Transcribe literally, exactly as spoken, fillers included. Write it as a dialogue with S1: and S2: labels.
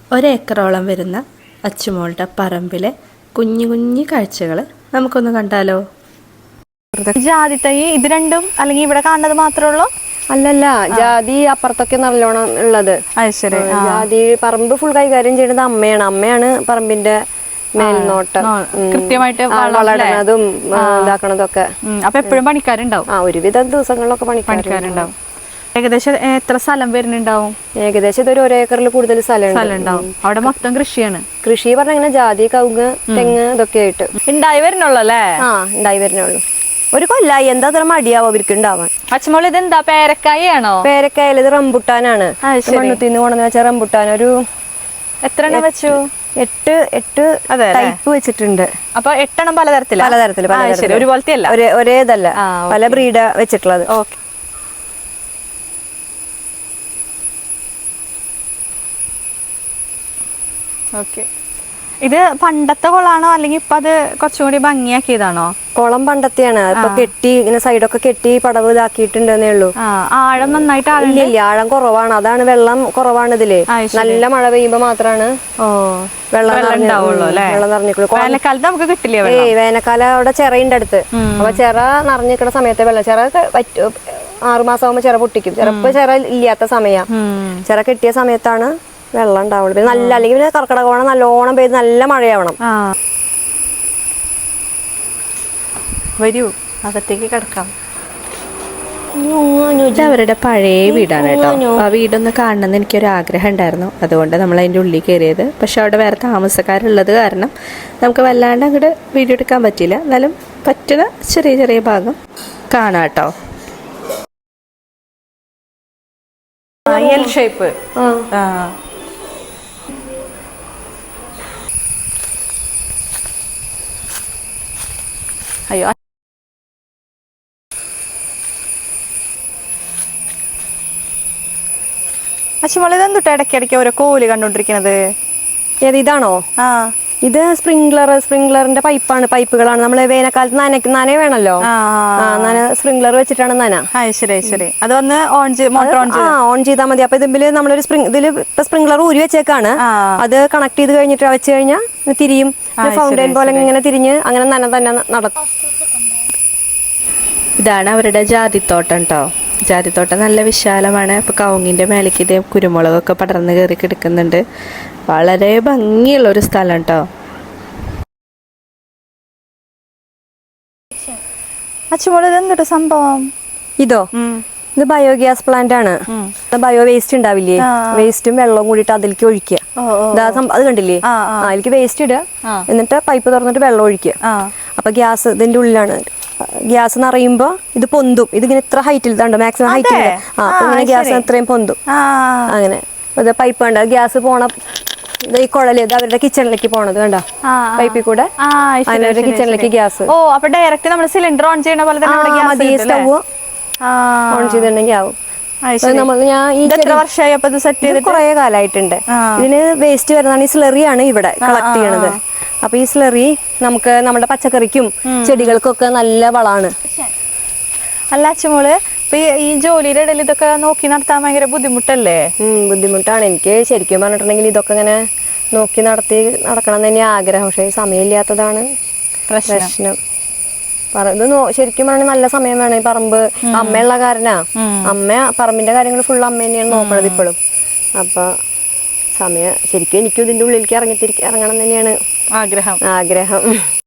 S1: ഒരേക്കറോളം വരുന്ന അച്ചുമോളുടെ പറമ്പിലെ കുഞ്ഞു കുഞ്ഞു കാഴ്ചകൾ നമുക്കൊന്ന് കണ്ടാലോ?
S2: ജാതി തൈ ഇത് രണ്ടും അല്ലെങ്കിൽ ഇവിടെ കാണുന്നത് മാത്രമേ ഉള്ളൂ?
S3: അല്ലല്ല, ജാതി അപ്പുറത്തൊക്കെ നല്ലോണം ഉള്ളത്. ജാതി പറമ്പ് ഫുൾ കൈകാര്യം ചെയ്യുന്നത് അമ്മയാണ്. അമ്മയാണ് പറമ്പിന്റെ മേൽനോട്ടം,
S2: കൃത്യമായിട്ട്
S3: വളരണതും ഇതാക്കണതൊക്കെ.
S2: അപ്പൊ എപ്പോഴും പണിക്കാരുണ്ടാവും?
S3: ആ, ഒരുവിധം ദിവസങ്ങളിലൊക്കെ പണിക്കാരുണ്ടാവും.
S2: ഏകദേശം എത്ര സ്ഥലം വരുന്നുണ്ടാവും?
S3: ഏകദേശം ഇതൊരു ഒരേക്കറിൽ കൂടുതൽ സ്ഥലം
S2: ഉണ്ടാവും. അവിടെ മൊത്തം കൃഷിയാണ്.
S3: കൃഷി പറഞ്ഞ ഇങ്ങനെ ജാതി, കവുങ്ങ്, തെങ്ങ് ഇതൊക്കെ ആയിട്ട്
S2: ഉണ്ടായി വരുന്നുള്ളൂ അല്ലേ?
S3: ആ, ഉണ്ടായി വരുന്നുള്ളൂ. ഒരു കൊല്ലായി. എന്താ അത്ര മടിയാവും അവർക്ക് ഉണ്ടാവാൻ.
S2: പച്ചമുളക് ഇതെന്താ, പേരക്കായാണോ?
S3: പേരക്കായല്ല, ഇത് റംബുട്ടാനാണ്. മണ്ണുത്തിന്ന് കൊണ്ടുവന്ന് വെച്ച റംബുട്ടാൻ. ഒരു
S2: എത്ര എണ്ണം വെച്ചു?
S3: എട്ട് എട്ട് ടൈപ്പ് വെച്ചിട്ടുണ്ട്.
S2: അപ്പൊ എട്ടെണ്ണം പലതരത്തില്
S3: പലതരത്തില് പലതരത്തില്
S2: ഒരുപോലത്തെ അല്ല,
S3: ഒരേതല്ല, പല ബ്രീഡ വെച്ചിട്ടുള്ളത്.
S2: ഓക്കെ. ഓക്കെ. ഇത് പണ്ടത്തെ കുളാണോ അല്ലെങ്കിൽ ഇപ്പൊ അത് കുറച്ചും കൂടി ഭംഗിയാക്കിയതാണോ?
S3: കുളം പണ്ടത്തെയാണ്. ഇപ്പൊ കെട്ടി ഇങ്ങനെ സൈഡൊക്കെ കെട്ടി പടവ് ഇതാക്കിയിട്ടുണ്ടെന്നേ ഉള്ളൂ.
S2: ആഴം നന്നായിട്ട്
S3: ഇല്ല, ആഴം കുറവാണ്. അതാണ്, വെള്ളം കുറവാണ് ഇതില്. നല്ല മഴ പെയ്യുമ്പോ മാത്രാണ് വെള്ളം വെള്ളം നിറഞ്ഞിട്ടുള്ളൂ.
S2: വേനൽക്കാലത്ത് നമുക്ക് കിട്ടില്ല.
S3: ഏയ്, വേനൽക്കാലം അവിടെ ചിറയുണ്ട് അടുത്ത്. അപ്പൊ ചിറ നിറഞ്ഞിരിക്കുന്ന സമയത്ത് വെള്ളം, ചിറ ആറുമാസം ആകുമ്പോ ചിറ പൊട്ടിക്കും. ചിലപ്പോ ചിറ ഇല്ലാത്ത സമയം, ചിറ കെട്ടിയ സമയത്താണ് വെള്ളം ഉണ്ടാവുള്ളൂ. നല്ല, അല്ലെങ്കിൽ പിന്നെ കർക്കിടകോണം നല്ലോണം പെയ്ത് നല്ല മഴയാവണം.
S2: വരൂ, അകത്തേക്ക് കിടക്കാം.
S1: ഇത് അവരുടെ പഴയ വീടാണ് കേട്ടോ. ആ വീടൊന്ന് കാണണമെന്ന് എനിക്കൊരു ആഗ്രഹം ഉണ്ടായിരുന്നു. അതുകൊണ്ട് നമ്മൾ അതിൻ്റെ ഉള്ളിൽ കയറിയത്. പക്ഷെ അവിടെ വേറെ താമസക്കാരുള്ളത് കാരണം നമുക്ക് വല്ലാണ്ട് അങ്ങോട്ട് വീഡിയോ എടുക്കാൻ പറ്റിയില്ല. എന്നാലും പറ്റുന്ന ചെറിയ ചെറിയ ഭാഗം കാണാം കേട്ടോ.
S2: L shape. അയ്യോ, അച്ഛമോള് ഇതെന്തുട്ടാ ഇടയ്ക്കിടയ്ക്ക് ഓരോ കോല് കണ്ടോണ്ടിരിക്കണത്?
S3: ഏത്, ഇതാണോ? ആ, ഇത് സ്പ്രിംഗ്ലർ സ്പ്രിംഗ്ലറിന്റെ പൈപ്പാണ്. പൈപ്പുകളാണ്. നമ്മള് വേനൽക്കാലത്ത് നനയ്ക്ക് നന വേണല്ലോ. നന സ്പ്രിംഗ്ലർ വെച്ചിട്ടാണ് നന.
S2: ശരി ശരി. അത് ഒന്ന് ഓൺ
S3: ഓൺ ചെയ്താൽ മതി. അപ്പൊ ഇതില് നമ്മളൊരു സ്പ്രിംഗ് ഇതില് ഇപ്പൊ സ്പ്രിംഗ്ലർ ഊരി വെച്ചേക്കാണ്. അത് കണക്ട് ചെയ്ത് കഴിഞ്ഞിട്ട് വെച്ച് കഴിഞ്ഞാൽ തിരിയും. ഫൗണ്ടൈൻ പോലെ ഇങ്ങനെ തിരിഞ്ഞ് അങ്ങനെ നന തന്നെ നടക്കും.
S1: ഇതാണ് അവരുടെ ജാതിത്തോട്ടം കേട്ടോ. ജാതിത്തോട്ടം നല്ല വിശാലമാണ്. ഇപ്പോൾ കവുങ്ങിൻ്റെ മേലേക്ക് ഇതേ കുരുമുളകൊക്കെ പടർന്ന് കയറി കിടക്കുന്നുണ്ട്. വളരെ ഭംഗിയുള്ളൊരു സ്ഥലം കേട്ടോ.
S2: അച്ഛമോള് ഇതെന്തൊരു സംഭവം?
S3: ഇതോ, ഇത് ബയോഗ്യാസ് പ്ലാന്റ് ആണ്. ബയോ വേസ്റ്റ് ഉണ്ടാവില്ലേ, വേസ്റ്റും വെള്ളവും കൂടിയിട്ട് അതിലേക്ക് ഒഴിക്കുക. അത് കണ്ടില്ലേ, അതിലേക്ക് വേസ്റ്റ് ഇടുക, എന്നിട്ട് പൈപ്പ് തുറന്നിട്ട് വെള്ളം ഒഴിക്കുക. അപ്പൊ ഗ്യാസ് ഇതിന്റെ ഉള്ളിലാണ്. ഗ്യാസ് നിറയുമ്പോ ഇത് പൊന്തും. ഇതിങ്ങനെ ഇത്ര ഹൈറ്റിൽ ഇതുണ്ടോ, മാക്സിമം ഹൈറ്റിൽ. ആ, ഇങ്ങനെ ഗ്യാസ് ഇത്രയും പൊന്തും. അങ്ങനെ ഇത് പൈപ്പ് കണ്ട ഗ്യാസ് പോണ ഇത് ഈ കുഴല്, ഇത് അവരുടെ കിച്ചണിലേക്ക് പോണത് കണ്ടോ, പൈപ്പിൽ കൂടെ അവരുടെ കിച്ചണിലേക്ക് ഗ്യാസ്.
S2: ഓ, അപ്പൊ ഡയറക്റ്റ് നമ്മൾ സിലിണ്ടർ ഓൺ ചെയ്യണ പോലെ
S3: മതി. സ്റ്റവ് ഓൺ ചെയ്തിട്ടുണ്ടെങ്കിൽ ആവും. കുറെ കാലമായിട്ടുണ്ട്. ഇതിന് വേസ്റ്റ് വരുന്നതാണ്. ഈ സ്ലറിയാണ് ഇവിടെ കളക്ട് ചെയ്യണത്. അപ്പൊ ഈ സ്ലറി നമുക്ക് നമ്മുടെ പച്ചക്കറിക്കും ചെടികൾക്കും ഒക്കെ നല്ല വളമാണ്.
S2: അല്ല അച്ഛമോള്, ഇപ്പൊ ഈ ജോലിയുടെ ഇടയിൽ ഇതൊക്കെ നോക്കി നടത്താൻ ഭയങ്കര ബുദ്ധിമുട്ടല്ലേ?
S3: ഉം ബുദ്ധിമുട്ടാണ്. എനിക്ക് ശരിക്കും പറഞ്ഞിട്ടുണ്ടെങ്കിൽ ഇതൊക്കെ ഇങ്ങനെ നോക്കി നടത്തി നടക്കണം എന്ന് തന്നെ ആഗ്രഹം. പക്ഷെ സമയമില്ലാത്തതാണ് പ്രശ്നം. ഇത് ശരിക്കും പറഞ്ഞാൽ നല്ല സമയം വേണം. ഈ പറമ്പ് അമ്മയുള്ള കാരനാ. അമ്മ പറമ്പിന്റെ കാര്യങ്ങൾ ഫുൾ അമ്മ തന്നെയാണ് നോക്കണത് ഇപ്പോഴും. അപ്പൊ സമയം ശരിക്കും എനിക്കും ഇതിന്റെ ഉള്ളിലേക്ക് ഇറങ്ങി ഇറങ്ങണം തന്നെയാണ്
S2: ആഗ്രഹം
S3: ആഗ്രഹം